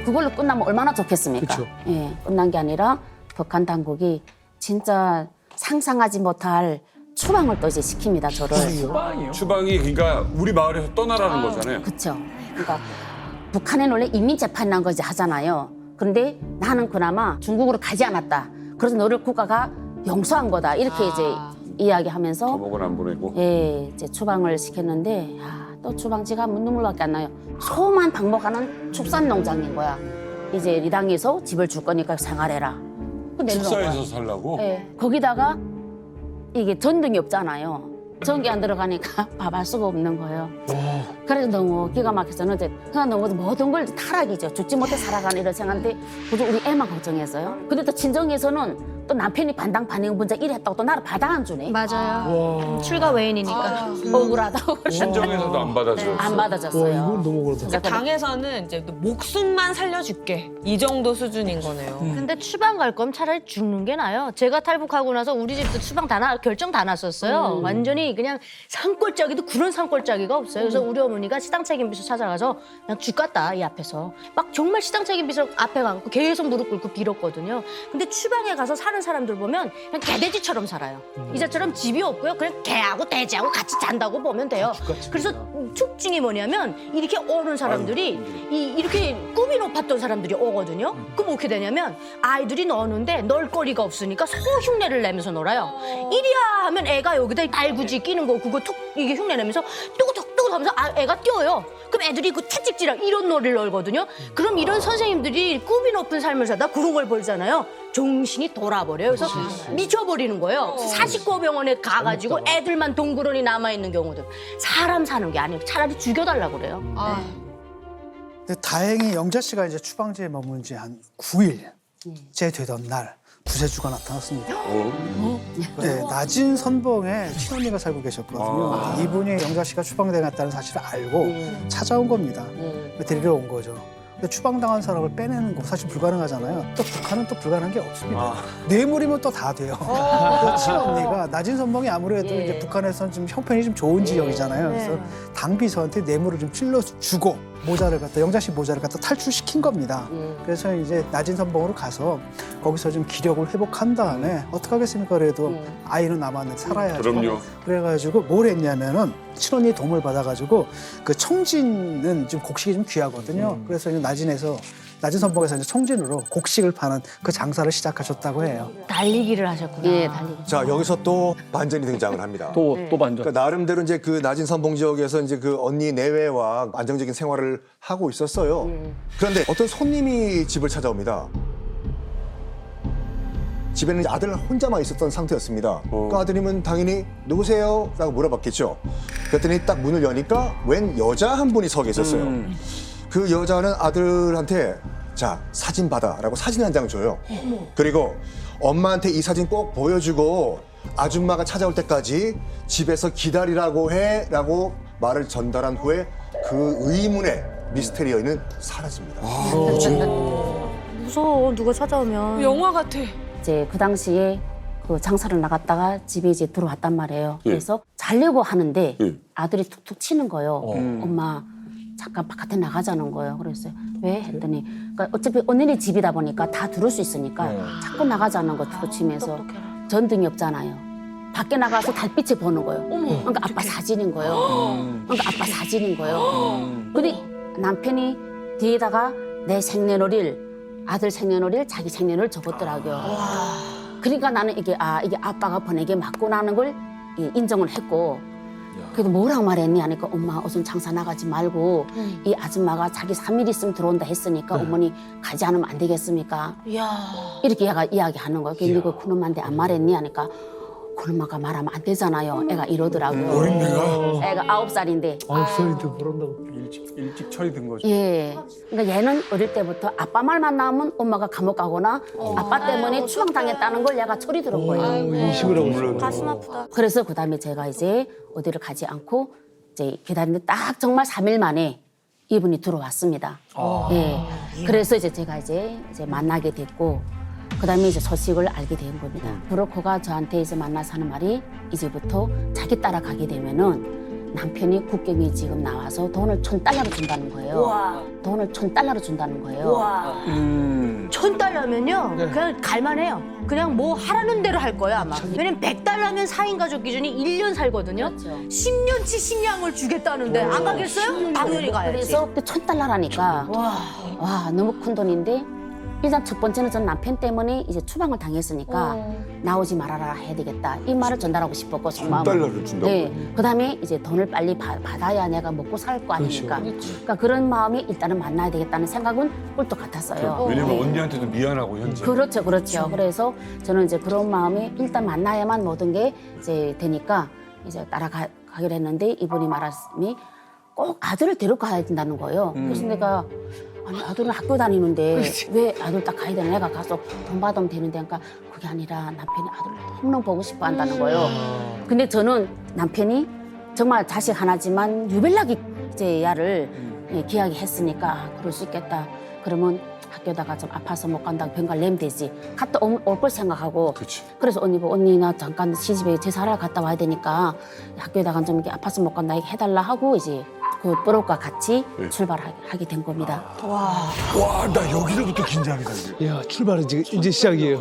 그걸로 끝나면 얼마나 좋겠습니까? 그쵸. 예, 끝난 게 아니라 북한 당국이 진짜 상상하지 못할 추방을 또 이제 시킵니다, 저를. 추방이 그러니까 우리 마을에서 떠나라는 거잖아요. 그렇죠. 그러니까 북한에는 원래 인민재판이라는 거 이제 하잖아요. 그런데 나는 그나마 중국으로 가지 않았다. 그래서 너를 국가가 용서한 거다. 이렇게 이제 이야기하면서 감옥은 안 보내고. 예, 이제 추방을 시켰는데 또 추방지가 눈물밖에 안 나요. 소만 방목하는 축산농장인 거야. 이제 이 당에서 집을 줄 거니까 생활해라. 그 내려놓은 거야. 축사에서 살라고? 예, 거기다가 이게 전등이 없잖아요. 전기 안 들어가니까 밥할 수가 없는 거예요. 그래서 너무 기가 막혀서는 이제 그냥 너무 모든 걸 타락이죠. 죽지 못해 살아가는 이런 생각인데 그저 우리 애만 걱정했어요. 근데 또 친정에서는 또 남편이 반당 반응 분자 이랬다고 또 나를 받아 안 주네. 맞아요. 출가 외인이니까. 억울하다고. 친정에서도 안 받아줘. 안 와, 받아줬어요. 이건 너무 그렇다. 그러니까 당에서는 이제 목숨만 살려줄게 이 정도 수준인 거네요. 근데 추방 갈 거면 차라리 죽는 게 나아요. 제가 탈북하고 나서 우리 집도 추방 결정 다 났었어요. 완전히 그냥 산골짜기도 그런 산골짜기가 없어요. 그래서 우리 어머니가 시당 책임비서 찾아가서 그냥 죽겠다 이 앞에서 막 정말 시당 책임비서 앞에 가고 계속 무릎 꿇고 빌었거든요. 근데 추방에 가서 사는 사람들 보면 그냥 개돼지처럼 살아요. 이자처럼 집이 없고요. 그냥 개하고 돼지하고 같이 잔다고 보면 돼요. 그래서 특징이 뭐냐면 이렇게 오는 사람들이 이렇게 꿈이 높았던 사람들이 오거든요. 그럼 어떻게 되냐면 아이들이 노는데 놀 거리가 없으니까 소 흉내를 내면서 놀아요. 이리야 하면 애가 여기다 알구지 끼는 거 그거 툭 이게 흉내 내면서 뚜구툭뚜구 하면서 애가 뛰어요. 그럼 애들이 그 채찍질랑 이런 놀이를 놀거든요. 그럼 이런 선생님들이 꿈이 높은 삶을 살다 그런 걸 보잖아요. 정신이 돌아버려요. 그래서 미쳐버리는 거예요. 사식고병원에 가가지고 애들만 동그러니 남아있는 경우들. 사람 사는 게 아니고 차라리 죽여달라고 그래요. 근데 다행히 영자 씨가 이제 추방지에 머문 지 한 9일째 되던 날 구세주가 나타났습니다. 네, 낮은 선봉에 친언니가 살고 계셨거든요. 이분이 영자 씨가 추방당했다는 사실을 알고 찾아온 겁니다. 데리러 온 거죠. 근데 추방당한 사람을 빼내는 거 사실 불가능하잖아요. 또 북한은 또 불가능한 게 없습니다. 뇌물이면 또 다 돼요. 그 친언니가 낮은 선봉이 아무래도 이제 북한에서는 좀 형편이 좀 좋은 지역이잖아요. 그래서 당비서한테 뇌물을 좀 찔러주고 모자를 갖다 영자 씨 모자를 갖다 탈출시킨 겁니다. 그래서 이제 낮은 선봉으로 가서 거기서 좀 기력을 회복한 다음에 어떡하겠습니까? 그래도 아이는 남았는데 살아야죠. 그럼요. 그래가지고 뭘 했냐면은 친언니의 도움을 받아가지고 그 청진은 좀 곡식이 좀 귀하거든요. 그래서 이제 낮은 선봉에서 이제 청진으로 곡식을 파는 그 장사를 시작하셨다고 해요. 달리기를 하셨구나. 예, 달리기. 자, 여기서 또 반전이 등장을 합니다. 또 반전. 그러니까 나름대로 이제 그 낮은 선봉 지역에서 이제 그 언니 내외와 안정적인 생활을 하고 있었어요. 그런데 어떤 손님이 집을 찾아옵니다. 집에는 이제 아들 혼자만 있었던 상태였습니다. 그 아드님은 당연히 누구세요? 라고 물어봤겠죠. 그랬더니 딱 문을 여니까 웬 여자 한 분이 서 계셨어요. 그 여자는 아들한테 자, 사진 받아라고 사진 한 장 줘요. 그리고 엄마한테 이 사진 꼭 보여주고 아줌마가 찾아올 때까지 집에서 기다리라고 해라고 말을 전달한 후에 그 의문의 미스테리 여인은 사라집니다. 무서워 누가 찾아오면. 영화 같아. 이제 그 당시에 그 장사를 나갔다가 집에 이제 들어왔단 말이에요. 그래서 자려고 하는데 아들이 툭툭 치는 거예요. 엄마 잠깐 바깥에 나가자는 거예요. 그랬어요. 왜? 했더니 그러니까 어차피 언니네 집이다 보니까 다 들을 수 있으니까 자꾸 나가자는 거 툭툭 치면서 전등이 없잖아요. 밖에 나가서 달빛을 보는 거예요. 그러니까 아빠 사진인 거예요. 그러니까 아빠 사진인 거예요. 근데 남편이 뒤에다가 내 생년월일 아들 생년월일 자기 생년을 적었더라고요. 그러니까 나는 이게 아빠가 보낸 게 맞구나 하는 걸 인정을 했고 그래도 뭐라고 말했니 하니까 엄마 어선 장사 나가지 말고 이 아줌마가 자기 3일 있으면 들어온다 했으니까 어머니 가지 않으면 안 되겠습니까? 이렇게 얘가 이야기하는 거예요. 근데 그 그놈한테 안 말했니 하니까 그놈아가 말하면 안 되잖아요. 애가 이러더라고요. 어린애가? 애가 9살인데. 9살인데 모른다고. 일찍 철이 든 거죠. 예. 그러니까 얘는 어릴 때부터 아빠 말만 나오면 엄마가 감옥 가거나 아빠 때문에 추방당했다는 걸 얘가 철이 들은 거예요. 인식을 하고 있어. 가슴 아프다. 그래서 그다음에 제가 이제 어디를 가지 않고 이제 기다리는데 딱 정말 3일 만에 이분이 들어왔습니다. 예. 그래서 이제 제가 이제 만나게 됐고 그다음에 이제 소식을 알게 된 겁니다. 브로커가 저한테 이제 만나서 하는 말이 이제부터 자기 따라가게 되면은 남편이 국경에 지금 나와서 돈을 $1,000를 준다는 거예요. 돈을 $1,000를 준다는 거예요. $1,000면요 그냥 갈만해요. 그냥 뭐 하라는 대로 할 거예요 아마. 왜냐면 $100면 4인 가족 기준이 1년 살거든요. 그렇죠. 10년치 식량을 주겠다는데 안 가겠어요? 당연히 가야지. 그래서 $1,000라니까 와 너무 큰 돈인데 일단 첫 번째는 전 남편 때문에 이제 추방을 당했으니까 나오지 말아라 해야 되겠다 이 말을 전달하고 싶었고 정말 $1,000를 준다고요? 네, 그다음에 이제 돈을 빨리 받아야 내가 먹고 살 거 아닙니까? 그러니까 그런 마음이 일단은 만나야 되겠다는 생각은 꿀떡 같았어요. 왜냐면 네. 언니한테도 미안하고 현지. 그렇죠. 그래서 저는 이제 그런 마음에 일단 만나야만 모든 게 이제 되니까 이제 따라가기로 했는데 이분이 말씀이 꼭 아들을 데려가야 된다는 거예요. 그래서 내가 아니 아들은 학교 다니는데 왜 아들 딱 가야 되나? 내가 가서 돈 받으면 되는데 그러니까 그게 아니라 남편이 아들을 너무너무 보고 싶어 한다는 거예요. 근데 저는 남편이 정말 자식 하나지만 유별나게 이제 야를 기하게 했으니까 아, 그럴 수 있겠다. 그러면 학교다가 좀 아파서 못 간다고 병가를 내면 되지. 갔다 올 걸 생각하고. 그치. 그래서 언니 언니 나 잠깐 시집에 제사를 갔다 와야 되니까 학교에다가 좀 이렇게 아파서 못 간다 해달라 하고 이제 그 뽀록과 같이 출발하게 된 겁니다. 와, 나 여기서부터 긴장이다. 이제. 야, 출발은 이제 시작이에요.